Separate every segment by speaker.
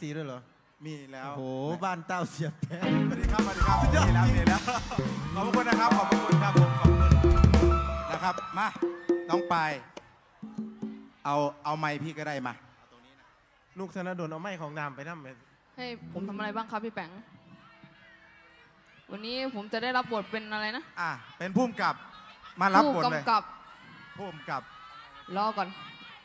Speaker 1: FC ด้วยเหรอ
Speaker 2: มีแล้ว
Speaker 1: โอ้โหบ้านเต้าเสียบแพ้
Speaker 2: สวัสดีครับสวัสดีครับมีแล้วขอบคุณนะครับขอบคุณครับผมขอบคุณนะครับมาน้องปายเอาไม้พี่ก็ได้มาตรงนี้นะ
Speaker 1: ลูกธนดลเอาไม้ของนามไปนั่มไป
Speaker 3: ให้ผมทำอะไรบ้างครับพี่แปงวันนี้ผมจะได้รับบทเป็นอะไรนะ
Speaker 2: เป็นผู้กำกับมารับบทเลยผู้กำกับ
Speaker 3: รอก่อน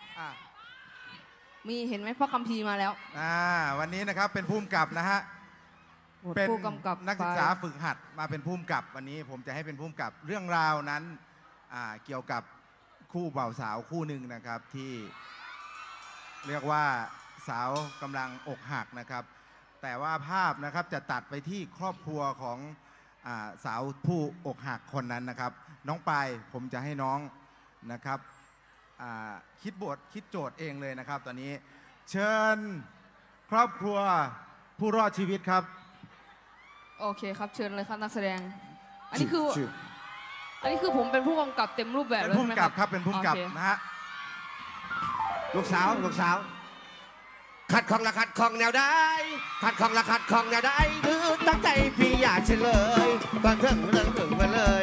Speaker 3: มีเห็นไหมพระคัมภีร์มาแล้ว
Speaker 2: วันนี้นะครับเป็นผู้กำกับนะฮะเป็น
Speaker 3: ผู้กำกับ
Speaker 2: นักศึกษาฝึกหัดมาเป็นผู้กำกับวันนี้ผมจะให้เป็นผู้กำกับเรื่องราวนั้นเกี่ยวกับคู่บ่าวสาวคู่หนึ่งนะครับที่เรียกว่าสาวกำลังอกหักนะครับแต่ว่าภาพนะครับจะตัดไปที่ครอบครัวของสาวผู้อกหักคนนั้นนะครับน้องปายผมจะให้น้องนะครับคิดบทคิดโจทย์เองเลยนะครับตอนนี้เชิญครอบครัวผู้รอดชีวิตครับ
Speaker 3: โอเคครับเชิญเลยครับนักแสดงอันนี้คือผมเป็นผู้กำกับเต็มรูปแบบเลย
Speaker 2: ใช่ไหมครับเป็นผู้กำกับนะฮะ
Speaker 4: ลูกสาวขัดของละขัดของแนวได้ขัดของละขัดของแนวได้หรือตั้งใจพี่อยากเฉลยก่อนถึงมาเลย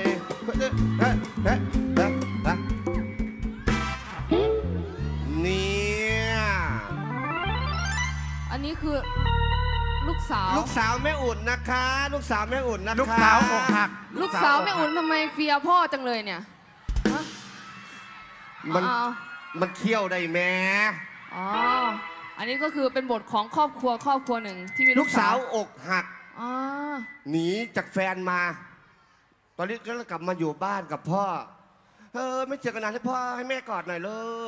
Speaker 4: เนี่ย
Speaker 3: อันนี้คือลูกสาว
Speaker 4: แม่อุ่นนะคะลูกสาวแม่อุ่นนะคะ
Speaker 2: ลูกสาวอกหัก
Speaker 3: ลูกสาวแม่อุ่นทำไมเฟียพ่อจังเลยเนี่ย
Speaker 4: มันเคี่ยวได้แม่
Speaker 3: อันนี้ก็คือเป็นบทของครอบครัวหนึ่งที่มี
Speaker 4: ลูกสาวอกหักหนีจากแฟนมาตอนนี้ก็กลับมาอยู่บ้านกับพ่อไม่เจอกันนานให้พ่อให้แม่กอดหน่อยลูก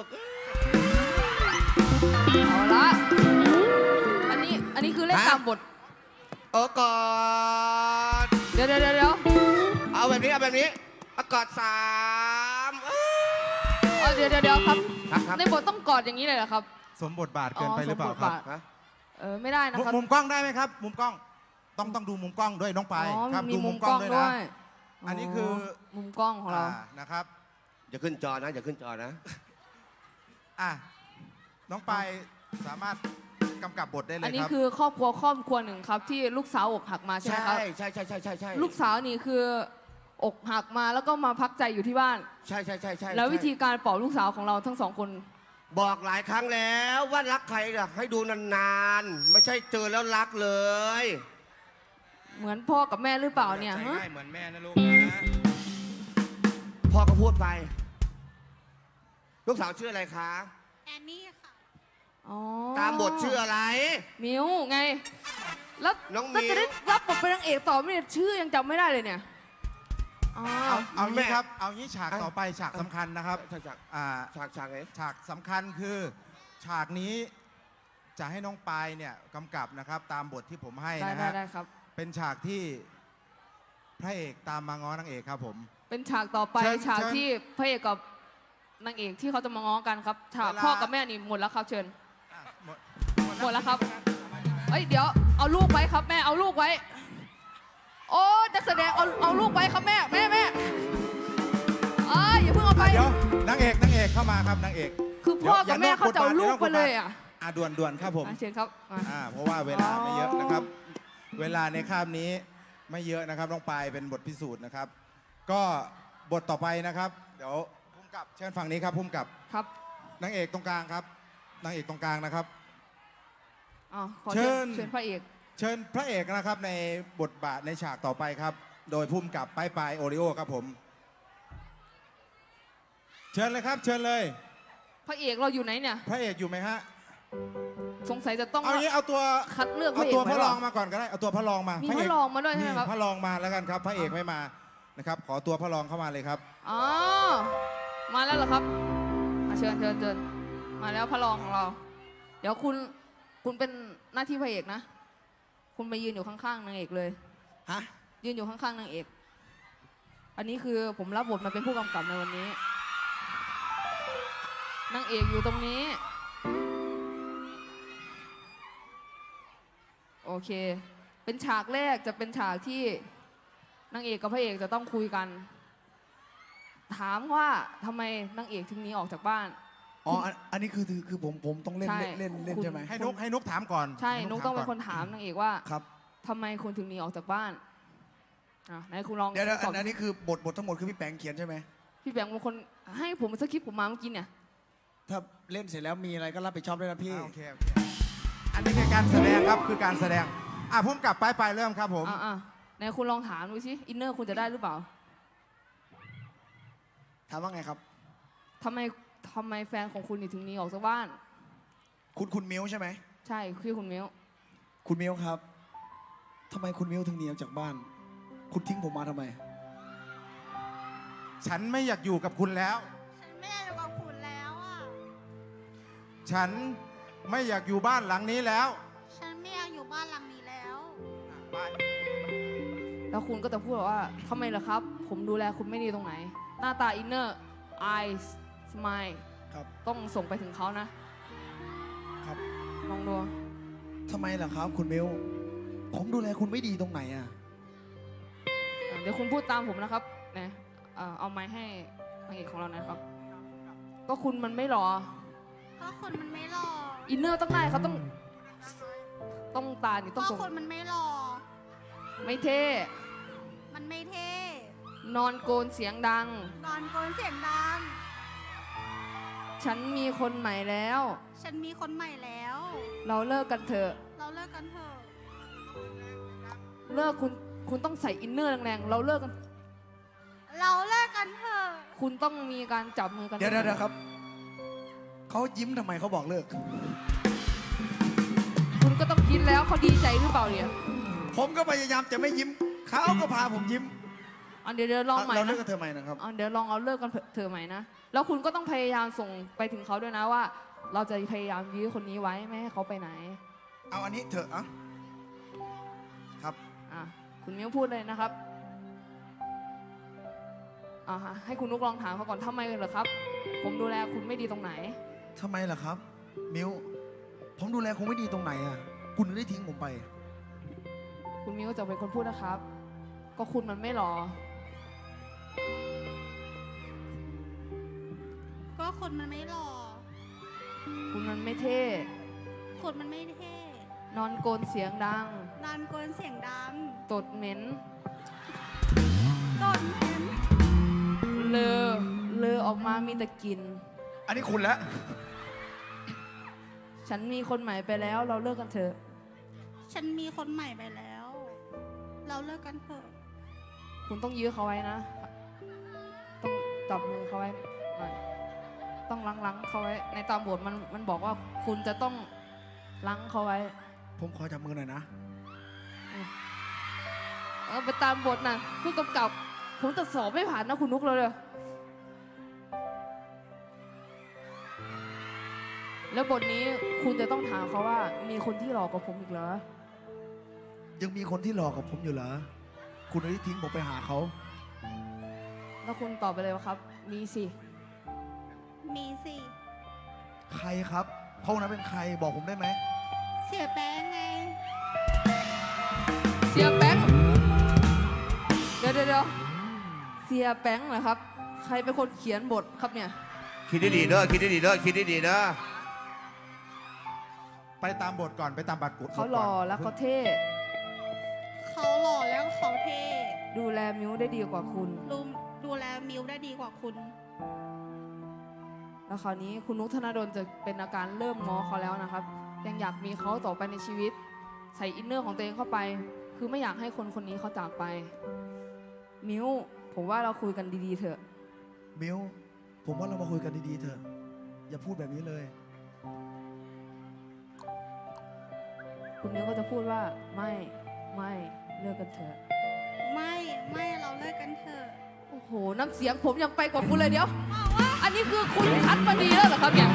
Speaker 3: เอาละอันนี้คือเล่นตามบท
Speaker 4: กอด
Speaker 3: เดี๋ยว
Speaker 4: เอาแบบนี้กอด3
Speaker 3: เดี๋ยวครับในบทต้องกอดอย่างนี้เลยเหรอครับ
Speaker 2: สมบทบาทเกินไปหรือเปล่าครับ
Speaker 3: ไม่ได้นะครับ
Speaker 2: มุมกล้องได้ไหมครับมุมกล้องต้องดูมุมกล้องด้วยน้องปายครับดูมุมกล้องด้วยนะอันนี้คือ
Speaker 3: มุมกล้องของเรา
Speaker 2: นะครับ
Speaker 4: อย่าขึ้นจอนะ
Speaker 2: น้องปายสามารถกำกับบทได้เลยครับ
Speaker 3: อันนี้คือครอบครัวหนึ่งครับที่ลูกสาวอกหักมาใช่ไหมครับ
Speaker 4: ใช่
Speaker 3: ลูกสาวนี่คืออกหักมาแล้วก็มาพักใจอยู่ที่บ้าน
Speaker 4: ใช่
Speaker 3: แล้ววิธีการปลอบลูกสาวของเราทั้งสองคน
Speaker 4: บอกหลายครั้งแล้วว่ารักใครให้ดูนานๆไม่ใช่เจอแล้วรักเลย
Speaker 3: เหมือนพ่อกับแม่หรือเปล่าเนี่ย
Speaker 2: ใช่เหมือนแม่นะลูกนะ
Speaker 4: พ่อก็พูดไปลูกสาวชื่ออะไรคะ
Speaker 5: แอนนี่ค่ะ
Speaker 4: ตามบทชื่ออะไร
Speaker 3: มิวไงแล้วก็จะได้รับบทเป็นนางเอกต่อไม่ได้ชื่อยังจำไม่ได้เลยเนี่ย
Speaker 2: เอางี้ครับเอางี้ฉากต่อไปฉากสำคัญนะครับฉากสำคัญคือฉากนี้จะให้น้องปายเนี่ยกำกับนะครับตามบทที่ผมให้นะฮะเป็นฉากที่พระเอกตามมาง้อนางเอกครับผม
Speaker 3: เป็นฉากต่อไปฉากที่พระเอกกับนางเอกที่เขาจะมาง้อกันครับฉากพ่อกับแม่นี่หมดแล้วครับเชิญหมดแล้วครับเดี๋ยวเอาลูกไว้ครับแม่เอาลูกไว้โอ้นักแสดงเอาลูกไว้ครับแม่อย่าเพิ่งเอาไป
Speaker 2: เดี๋ยวนางเอกเข้ามาครับนางเอก
Speaker 3: คือพ่อกับแม่เขาจะเอาลูกไปเลย
Speaker 2: ด่วนครับผม
Speaker 3: เชิญครับ
Speaker 2: เพราะว่าเวลาไม่เยอะนะครับเวลาในคาบนี้ไม่เยอะนะครับน้องปายเป็นบทพิสูจน์นะครับก็บทต่อไปนะครับเดี๋ยวพุ่มกับเชิญฝั่งนี้ครับพุ่มกับ
Speaker 3: ครับ
Speaker 2: นางเอกตรงกลางครับนางเอกตรงกลางนะครับ
Speaker 3: เชิญพระเอก
Speaker 2: เชิญพระเอกนะครับในบทบาทในฉากต่อไปครับโดยพุ่มกับปายโอริโอครับผมเชิญเลยครับเชิญเลย
Speaker 3: พระเอกเราอยู่ไหนเนี่ย
Speaker 2: พระเอกอยู่ไหมฮะ
Speaker 3: สงสัยจะต้อง
Speaker 2: เอาตัว
Speaker 3: คัดเลือก
Speaker 2: เอาตัวพระรองมาก่อนก็ได้เอาตัวพระรองมา
Speaker 3: มีพระรองมาด้วยใช่ไหมครับ
Speaker 2: พระรองมาแล้วกันครับพระเอกไม่มานะครับขอตัวพระรองเข้ามาเลยครับ
Speaker 3: มาแล้วเหรอครับเชิญมาแล้วพระรองของเราเดี๋ยวคุณเป็นหน้าที่พระเอกนะคุณไปยืนอยู่ข้างๆนางเอกเลยยืนอยู่ข้างๆนางเอกอันนี้คือผมรับบทมาเป็นผู้กำกับในวันนี้นางเอกอยู่ตรงนี้โอเคเป็นฉากแรกจะเป็นฉากที่นางเอกกับพระเอกจะต้องคุยกันถามว่าทำไมนางเอกถึงหนีออกจากบ้าน
Speaker 5: อ๋ออันนี้คือผมต้องเล่น
Speaker 3: ใช่
Speaker 5: เล่น
Speaker 3: คุณ
Speaker 5: ใช่ไหม
Speaker 2: ให้นุกถามก่อน
Speaker 3: ใช่
Speaker 2: ให้
Speaker 3: นุกต้องเป็น
Speaker 2: ถาม
Speaker 3: คนถามนางเอกว่า
Speaker 5: ครับ
Speaker 3: ทำไมคุณถึงหนีออกจากบ้านไหนคุณลอง
Speaker 5: เดี๋ยว
Speaker 3: ตอบ
Speaker 5: อันนี้คือบททั้งหมดคือพี่แปงเขียนใช่ไหม
Speaker 3: พี่แบงค์เป็นคนให้ผมสคริปต์ผมมาเมื่อกี้เนี่ย
Speaker 5: ถ้าเล่นเสร็จแล้วมีอะไรก็รับผิดชอบด้วยนะพี่
Speaker 2: โอเคอันนี้คือการแสดงครับคือการแสดงพุ่มกลับไปเริ่มครับผม
Speaker 3: ไหนคุณลองถามดูสิอินเนอร์คุณจะได้หรือเปล่า
Speaker 5: ถามว่าไงครับ
Speaker 3: ทำไมแฟนของคุณถึงหนีออกจากบ้าน
Speaker 5: คุณมิวใช่ไหม
Speaker 3: ใช่คือคุณมิว
Speaker 5: คุณมิวครับทำไมคุณมิวถึงหนีออกจากบ้าน คุณทิ้งผมมาทำไม
Speaker 2: ฉันไม่อยากอยู่กับคุณแล้ว
Speaker 6: ฉันไม่อยากอยู่กับคุณแล้วอ่ะ
Speaker 2: ฉันไม่อยากอยู่บ้านหลังนี้แล้ว
Speaker 6: ฉันไม่อยากอยู่บ้านหลังนี้แล้ว
Speaker 2: ไป
Speaker 3: แล้วคุณก็จะพูดว่าทำไมล่ะครับ ผมดูแลคุณไม่ดีตรงไหน หน้าตาอินเนอร์ eyes smile
Speaker 5: ครับ
Speaker 3: ต้องส่งไปถึงเขานะ
Speaker 5: ครับ
Speaker 3: ลองดู
Speaker 5: ทำไมล่ะครับ คุณมิวผมดูแลคุณไม่ดีตรงไหนอ่ะ
Speaker 3: เดี๋ยวคุณพูดตามผมนะครับนะเอาไม้ให้นางเอกของเรานะครับ ก็คุณมันไม่หรอ
Speaker 6: ก็คนมันไม่หล่อ
Speaker 3: อินเนอร์ต้องได้เขาต้องตานี่ต้อง
Speaker 6: ก็
Speaker 3: ส่ง
Speaker 6: คนมันไม่หล่อ
Speaker 3: ไม่เท่
Speaker 6: มันไม่เท่
Speaker 3: นอนโกนเสียงดัง
Speaker 6: นอนโกนเสียงดัง
Speaker 3: ฉันมีคนใหม่แล้ว
Speaker 6: ฉันมีคนใหม่แล้ว
Speaker 3: เราเลิกกันเถอะ
Speaker 6: เราเลิกกันเถอะ
Speaker 3: เลิกคุณต้องใส่อินเนอร์แรงๆเราเลิกกัน
Speaker 6: เราเลิกกันเถอะ
Speaker 3: คุณต้องมีการจับมือกัน
Speaker 5: เดี๋ยวครับเขายิ้มทำไมเขาบอกเลิก
Speaker 3: คุณก็ต้องคิดแล้วเขาดีใจหรือเปล่าเนี่ย
Speaker 5: ผมก็พยายามจะไม่ยิ้มเขาก็พาผมยิ้ม
Speaker 3: เดี๋ยวลองใหม่
Speaker 5: เราเลิ
Speaker 3: นะ
Speaker 5: กกับเธอใหม่นะครับ
Speaker 3: เดี๋ยวลองเอาเลิกกันเถอะใหม่นะแล้วคุณก็ต้องพยายามส่งไปถึงเขาด้วยนะว่า เราจะพยายามยื้อคนนี้ไว้ไม่ให้เขาไปไหน
Speaker 5: เอาอันนี้เถอะอ่ะครับ
Speaker 3: คุณมิ้วพูดเลยนะครับให้คุณนุกลองถามเขาก่อนทำไมเหรอครับ ผมดูแลคุณไม่ดีตรงไหน
Speaker 5: ทำไมล่ะครับ มิวผมดูแลคงไม่ดีตรงไหนอ่ะ คุณถึงได้ทิ้งผมไป
Speaker 3: คุณมิ้วจะเป็นคนพูดนะครับ ก็คุณมันไม่หล่อ
Speaker 6: ก็คนมันไม่หล่อ
Speaker 3: คุณมันไม่เท่
Speaker 6: คนมันไม่เท่
Speaker 3: นอนโกนเสียงดัง
Speaker 6: นอนโกนเสียงดัง
Speaker 3: ตดเหม็น
Speaker 6: ต้นเหม็น
Speaker 3: เลอออกมามีแต่กลิ่น
Speaker 5: อันนี้คุณแล้ว
Speaker 3: ฉันมีคนใหม่ไปแล้ว เราเลิกกันเถอะ
Speaker 6: ฉันมีคนใหม่ไปแล้ว เราเลิกกันเถอะ
Speaker 3: คุณต้องยื้อเขาไว้นะ ต้องจับมือเขาไว้หน่อยต้องลังเขาไว้ ในตามบทมันบอกว่าคุณจะต้องลังเขาไว้
Speaker 5: ผมขอจับมือหน่อยนะ
Speaker 3: ไปตามบทนะผู้กำกับ ผมจะสอบไม่ผ่านนะคุณนุกเลยแล้วบทนี้คุณจะต้องถามเขาว่ามีคนที่หลอกกว่าผมอีกเหรอ
Speaker 5: ยังมีคนที่หลอกกับผมอยู่เหรอ คุณได้ทิ้งผมไปหาเขา
Speaker 3: แล้วคุณตอบไปเลยว่าครับ มีสิ
Speaker 6: มีสิ
Speaker 5: ใครครับเขานั้นเป็นใครบอกผมได้ไหม
Speaker 6: เสียแป้งไง
Speaker 3: เสียแป้งเดี๋ยวเสียแป้งเหรอครับ ใครเป็นคนเขียนบทครับเนี่ย
Speaker 4: คิดดีๆเด้อคิดดีๆเด้อคิดดีๆเด้อ
Speaker 2: ไปตามบทก่อนไปตามบัตรกุด
Speaker 3: เขาหล่อแล้วเขาเท่
Speaker 6: เขาหล่อแล้วเขาเท่
Speaker 3: ดูแลมิวได้ดีกว่าคุณ
Speaker 6: ดูแลมิวได้ดีกว่าคุณ
Speaker 3: แล้วคราวนี้คุณนุกธนดลจะเป็นอาการเริ่มง้อเขาแล้วนะครับ ยังอยากมีเขาต่อไปในชีวิต ใส่อินเนอร์ของตัวเองเข้าไป คือไม่อยากให้คนคนนี้เขาจากไป มิวผมว่าเราคุยกันดีๆเถอะ
Speaker 5: มิวผมว่าเรามาคุยกันดีๆเถอะ อย่าพูดแบบนี้เลย
Speaker 3: คุณมิวก็จะพูดว่าไม่เลิกกันเถอะ
Speaker 6: ไม่เราเลิกกันเถอะ
Speaker 3: โอ้โหน้ำเสียงผมยังไปกว่าคุณเลยเดี๋ยว อันนี้คือคุณคัดมาดีแล้วเหรอครับเนี่ย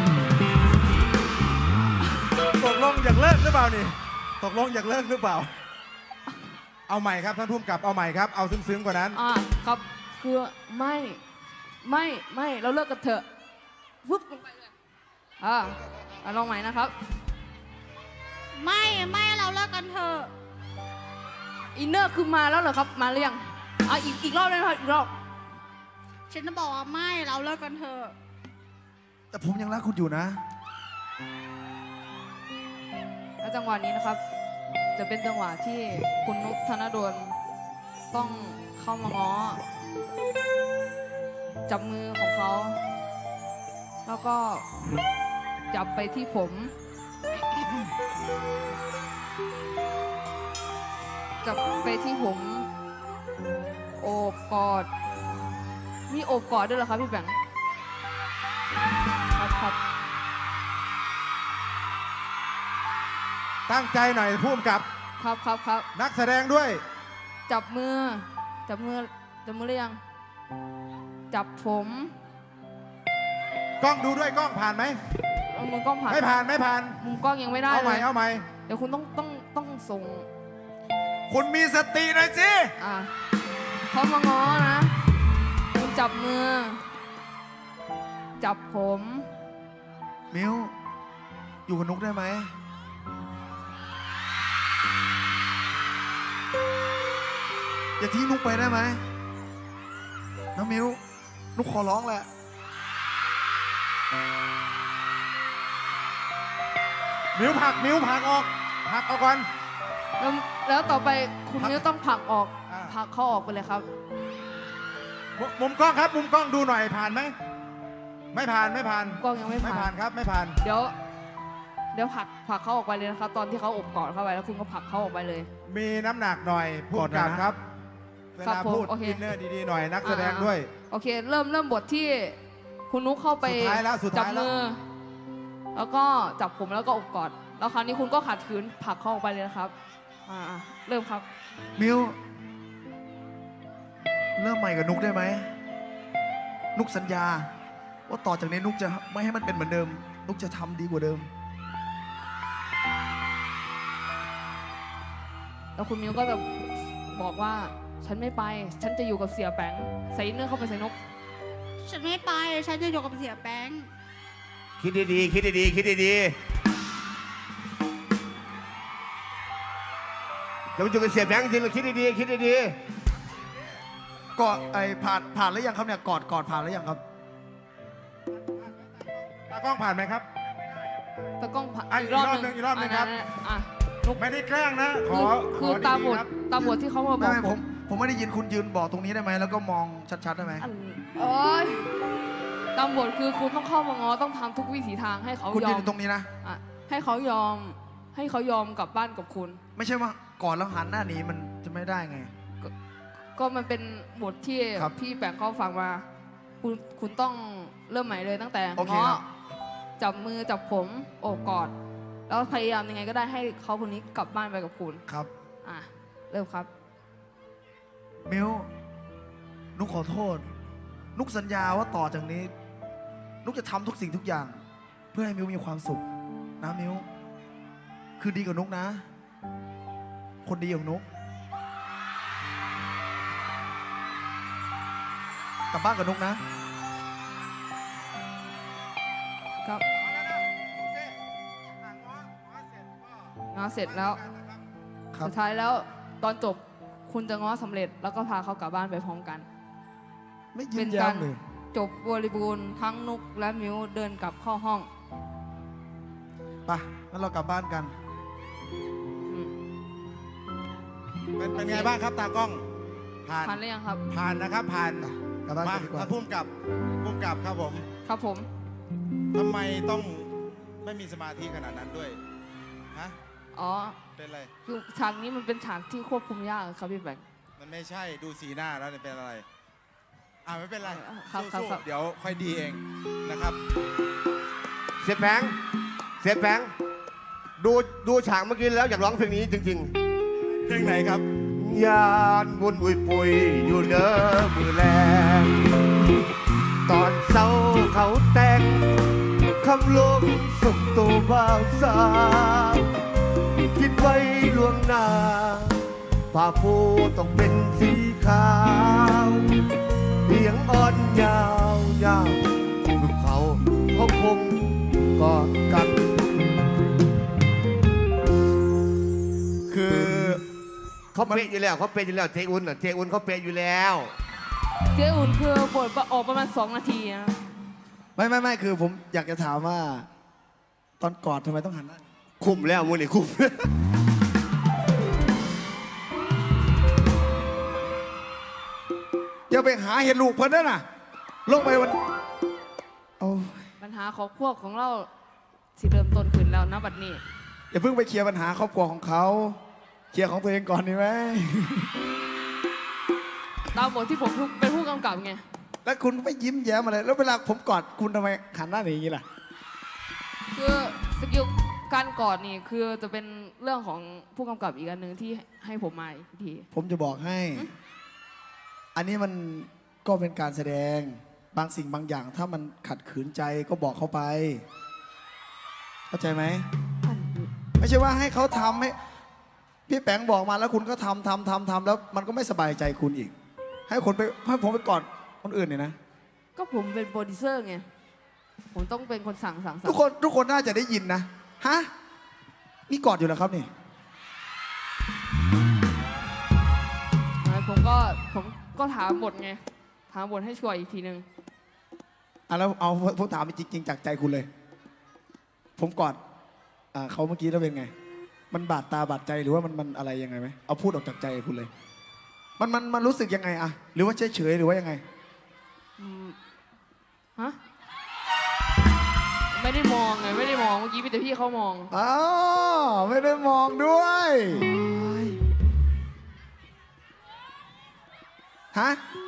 Speaker 2: ตกลงอยากเลิกหรือเปล่านี่ตกลงอยากเลิกหรือเปล่า เอาใหม่ครับท่านผู้กำกับเอาใหม่ครับเอาซึ้งๆกว่านั้น
Speaker 3: ครับคือไม่เราเลิกกันเถอะฟึบลงไปเลยลองใหม่นะครับ
Speaker 6: ไม่เราเลิกกันเถอะ
Speaker 3: อินเนอร์คือมาแล้วเหรอครับมาหรือยังอีกรอบได้ไหมครับอีกรอบ
Speaker 6: ฉันจะบอกว่าไม่เราเลิกกันเถอะ
Speaker 5: แต่ผมยังรักคุณอยู่นะ
Speaker 3: และจังหวะนี้นะครับ จะเป็นจังหวะที่คุณนุกธนดลต้องเข้ามาง้อ จับมือของเขา แล้วก็จับไปที่ผม จับไปที่ผม โอบกอด มีโอบกอดด้วยเหรอครับพี่แบงค์ครับครับ
Speaker 2: ตั้งใจหน่อยพุ่มกับ
Speaker 3: ครับครับครับ
Speaker 2: นักแสดงด้วย
Speaker 3: จับมือ จับมือ จับมือหรือยัง จับผม
Speaker 2: กล้องดูด้วยกล้องผ่านไหม
Speaker 3: เอามือกล้องผ่าน
Speaker 2: ไม่ผ่านไม่ผ่าน
Speaker 3: มุมกล้องยังไม่ได้
Speaker 2: เอาให
Speaker 3: เล
Speaker 2: ม่
Speaker 3: ย
Speaker 2: เอาใหม่
Speaker 3: เดี๋ยวคุณต้องส่ง
Speaker 2: คุณมีสติหน่อยสิ
Speaker 3: อ่ะเขามาง้อนะ คุณจับมือ จับผม
Speaker 5: มิวอยู่กับนุกได้ไหมอย่าทิ้งนุกไปได้ไหมน้องมิวนุกขอร้องแหละ
Speaker 2: มิ้วผักออกก่อน
Speaker 3: แล้วต่อไปคุณ
Speaker 2: พัก
Speaker 3: นิ้วต้องผลักออก
Speaker 2: อ่า
Speaker 3: ผลักเขาออกไปเลยครับ
Speaker 2: มุมกล้องครับ มุมกล้องดูหน่อยผ่านไหมไม่ผ่าน
Speaker 3: กล้องยังไม่
Speaker 2: ไม่
Speaker 3: ผ่า
Speaker 2: ผ่าน นครับไม่ผ่าน
Speaker 3: เดี๋ยวผลักเขาออกไปเลยนะครับ ตอนที่เขาอบกอดเข้าไปแล้วคุณก็ผลักเขาออกไปเลย
Speaker 2: มีน้ำหนักหน่อยพุ่มกับครับเว
Speaker 3: ครับ
Speaker 2: ลา
Speaker 3: ผม
Speaker 2: พูด
Speaker 3: โอเค
Speaker 2: อินเนอร์ดีๆหน่อยนักแสดงด้วย
Speaker 3: โอเค เริ่มบทที่คุณนุ๊กเข้าไป
Speaker 2: สุดท้ายแล้ว
Speaker 3: จับมือ แล้วก็จับผมแล้วก็อบกอด แล้วคราวนี้คุณก็ขัดขืนผลักเขาออกไปเลยนะครับเริ่มครับ
Speaker 5: มิวเริ่มใหม่กับนุกได้ไหมนุกสัญญา ว่าต่อจากนี้นุกจะไม่ให้มันเป็นเหมือนเดิม นุกจะทำดีกว่าเดิม
Speaker 3: แล้วคุณมิวก็จะบอกว่าฉันไม่ไป ฉันจะอยู่กับเสียแปงใส่อินเนอร์เข้าไปใส่นก
Speaker 6: ฉันไม่ไป ฉันจะอยู่กับเสียแป้ง
Speaker 4: คิดดีๆคิดดีๆคิดดีๆจะมาอยู่กับเสียแบงค์จริงหรือคิดดีๆคิดดี
Speaker 5: กอดไอ้ผ่านหรือยังครับเนี่ยกอดผ่านหรือยังครับ
Speaker 2: ตากล้องผ่านไหมครับ
Speaker 3: ตะกล้องผ่าน
Speaker 2: อ่ะอีกรอบหนึ่งครับ
Speaker 3: อ่ะนุก
Speaker 2: ไม่ได้แกล้งนะ ข
Speaker 3: คือ
Speaker 2: อ
Speaker 3: ตามบ
Speaker 2: ดี
Speaker 3: ท
Speaker 2: ๆครับ
Speaker 3: ตามบทที่เขามาบ
Speaker 5: ไม่
Speaker 3: อก
Speaker 5: ไม่ผมไม่ได้ยินคุณยืนบอกตรงนี้ได้ไหมแล้วก็มองชัดๆได้ไหม
Speaker 3: โอ้ยตามบทคือคุณต้องเข้ามาง้อต้องทำทุกวิถีทางให้เขา
Speaker 5: คุณ
Speaker 3: ย
Speaker 5: ยื
Speaker 3: อน ม
Speaker 5: อยู่ตรงนี้นะ
Speaker 3: อ่ะให้เขายอมกลับบ้านกับคุณ
Speaker 5: ไม่ใช่ว่ากอดแล้วหันหน้าหนีมันจะไม่ได้ไง
Speaker 3: ก็มันเป็นบทที่
Speaker 5: ครับ
Speaker 3: พี่แปงเขาฟังมา คุณต้องเริ่มใหม่เลยตั้งแต่
Speaker 5: โอเค
Speaker 3: ง้อ
Speaker 5: ครับ
Speaker 3: จับมือจับผมโอบกอด แล้วพยายามยังไงก็ได้ให้เขาคนนี้กลับบ้านไปกับคุณ
Speaker 5: ครับ
Speaker 3: อ่ะเริ่มครับ
Speaker 5: มิวนุกขอโทษ นุกสัญญาว่าต่อจากนี้ นุกจะทำทุกสิ่งทุกอย่าง เพื่อให้มิวมีความสุขนะมิวคือดีกับนุกนะ คนดีของนุกกลับบ้านกับนุกนะ
Speaker 3: ครับง้อเสร็จแล้ว
Speaker 5: ครับ
Speaker 3: สุดท้ายแล้วตอนจบคุณจะง้อสำเร็จ แล้วก็พาเขากลับบ้านไปพร้อมกัน
Speaker 5: ไม่ยื
Speaker 3: เป็น น
Speaker 5: ยั
Speaker 3: กาน ร
Speaker 5: เลย
Speaker 3: จบบริบูรณ์ทั้งนุกและมิวเดินกลับเข้าห้อง
Speaker 5: ไปงั้นเรากลับบ้านกัน
Speaker 3: อืม
Speaker 2: เป็นไงบ้างครับตากล้อง ผ่าน
Speaker 3: ผ่านหรือยังครับ
Speaker 2: ผ่านนะครับผ่าน
Speaker 5: กลับบ้าน
Speaker 2: มา
Speaker 5: กันดีกว่า
Speaker 2: พุ่มกับครับผม
Speaker 3: ครับผม
Speaker 2: ทำไมต้องไม่มีสมาธิขนาดนั้นด้วยฮะ
Speaker 3: อ๋อ
Speaker 2: เป็นไร
Speaker 3: คือฉากนี้มันเป็นฉากที่ควบคุมยากครับพี่แบงค์
Speaker 2: มันไม่ใช่ดูสีหน้าแล้วเนี่ยเป็นอะไรไม่เป็นไร
Speaker 3: ครับ
Speaker 2: สู้
Speaker 3: ครับ
Speaker 2: ๆเดี๋ยวค่อยดีเองนะครับ
Speaker 4: ๆเสียแบงค์ดูฉากเมื่อกี้แล้วอยากร้องเพลงนี้จริง
Speaker 2: เพลงไหนครับ
Speaker 4: ๆยานวนอุยปุยอยู่เด้อมือแรงตอนเศร้าเขาแต่งคำลงส่งตัวบ่าวสาวคิดไว้ล่วงหน้าผ้าปูต้องเป็นสีขาวเสียงอ่อนยาวยาวลูกเขาคงกอดกัน
Speaker 5: คือ
Speaker 4: เขาเป๊ะอยู่แล้วเจอุ่นเขาเป๊ะอยู่แล้ว
Speaker 3: เจ๊อุ่นคือบทออกประมาณ2 นาทีนะ
Speaker 5: ไม่ไม่คือผมอยากจะถามว่า ตอนกอดทำไมต้องหันหน้า
Speaker 4: คุ้มแล้วมูนี่คุ้ม
Speaker 5: อย่าไปหาเห็นลูกเพิ่นนั่นน่ะลงไปวันโอ้ย
Speaker 3: ปัญหาครอบครัวของเราสิเริ่มต้นขึ้นแล้วนะบัดนี้
Speaker 5: อย่าเพิ่งไปเคลียร์ปัญหาครอบครัวของเขาเคลียร์ของตัวเองก่อนดีไหม
Speaker 3: ตามบทที่ผมเป็นผู้กำกับไง
Speaker 5: แล้วคุณก็ไม่ยิ้มแย้มอะไรแล้วเวลาผมกอดคุณทำไมหันหน้าหนีอย่างนี้ล่ะ
Speaker 3: คือสกิลการกอดนี่คือจะเป็นเรื่องของผู้กำกับอีกอันหนึ่งที่ให้ผมมาอีกที
Speaker 5: ผมจะบอกให้ อันนี้มันก็เป็นการแสดงบางสิ่งบางอย่าง ถ้ามันขัดขืนใจก็บอกเขาไป เข้าใจไหม ไม่ใช่ว่าให้เขาทำให้พี่แปงบอกมาแล้วคุณก็ทำแล้วมันก็ไม่สบายใจคุณอีก ให้ผมไปกอดคนอื่นเนี่ยนะ
Speaker 3: ก็ผมเป็นโปรดิวเซอร์ไง ผมต้องเป็นคนสั่ง
Speaker 5: ทุกคนน่าจะได้ยินนะฮะนี่กอดอยู่แล้วครับนี่
Speaker 3: ผมก็ถามบทไง ถามบทให้ช่วยอีกทีนึง
Speaker 5: แล้วเอาผมถามจริงๆจากใจคุณเลย ผมกอดเขาเมื่อกี้แล้วเป็นไง มันบาดตาบาดใจหรือว่ามันอะไรยังไงไหมเอาพูดออกจากใจคุณเลย มันรู้สึกยังไงอะหรือว่าเฉยๆหรือว่ายังไง
Speaker 3: ฮะ ไม่ได้มองไง ไม่ได้มอง เมื่อกี้มีแต่พี่เขามอง
Speaker 5: อ๋อไม่ได้มองด้วยฮะ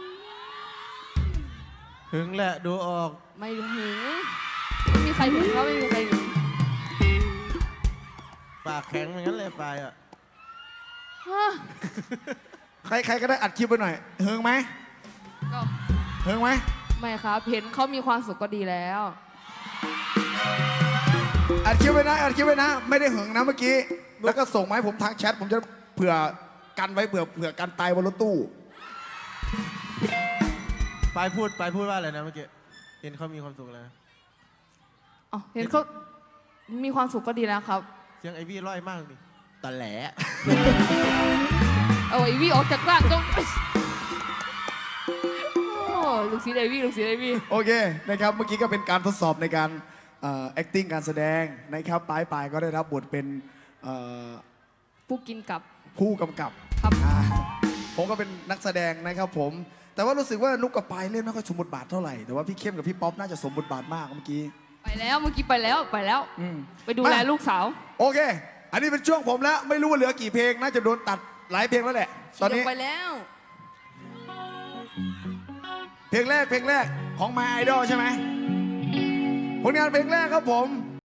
Speaker 1: หึงแหละดูออก
Speaker 3: ไม่หึงไม่มีใครหึงเขาไม่มีใครหึง
Speaker 1: ปากแข็งเหมือนกันเลยปลายอ่ะ
Speaker 3: ฮะ
Speaker 5: ใครก็ได้อัดคลิปไปหน่อยเฮิงไหม
Speaker 3: ก็
Speaker 5: เฮิงไหม
Speaker 3: ไม่ครับ เห็นเขามีความสุขก็ดีแล้ว
Speaker 5: อัดคลิปไปนะไม่ได้เหิงนะเมื่อกี้แล้วก็ส่งมาให้ผมทางแชทผมจะเผื่อกันไว้เผื่อกันตายบนรถตู้
Speaker 1: ปลายพูดว่าอะไรนะเมื่อกี้เห็นเขามีความสุขแล้ว
Speaker 3: อ๋อ เห็นเขามีความสุขก็ดีแล้วครับ
Speaker 1: เสียงไอวี่ร้อยมากดิตะแหล
Speaker 3: เอาไอวี่ออกจากร่างก็โอ้ลูกศิษย์ไอวี่
Speaker 5: โอเคนะครับเมื่อกี้ก็เป็นการทดสอบในการacting การแสดงนะครับปลายก็ได้รับบทเป็น
Speaker 3: ผู้กินกับ
Speaker 5: ผู้กำกับ
Speaker 3: ครับ
Speaker 5: ผมก็เป็นนักแสดงนะครับผมแต่ว่ารู้สึกว่านุกกับปายเล่นไม่ค่อยสมบทบาทเท่าไหร่แต่ว่าพี่เข้มกับพี่ป๊อปน่าจะสมบทบาทมากเมื่อกี้
Speaker 3: ไปแล้วเมื่อกี้ไปแล้ว
Speaker 5: อืม
Speaker 3: ไปดูแลลูกสาว
Speaker 5: โอเค อันนี้เป็นช่วงผมแล้วไม่รู้ว่าเหลือกี่เพลงน่าจะโดนตัดหลายเพลงแล้วแหละตอนนี้
Speaker 3: ไปแล้ว
Speaker 5: เพลงแรกของ My Idol ใช่ไหมผลงานเพลงแรกครับผม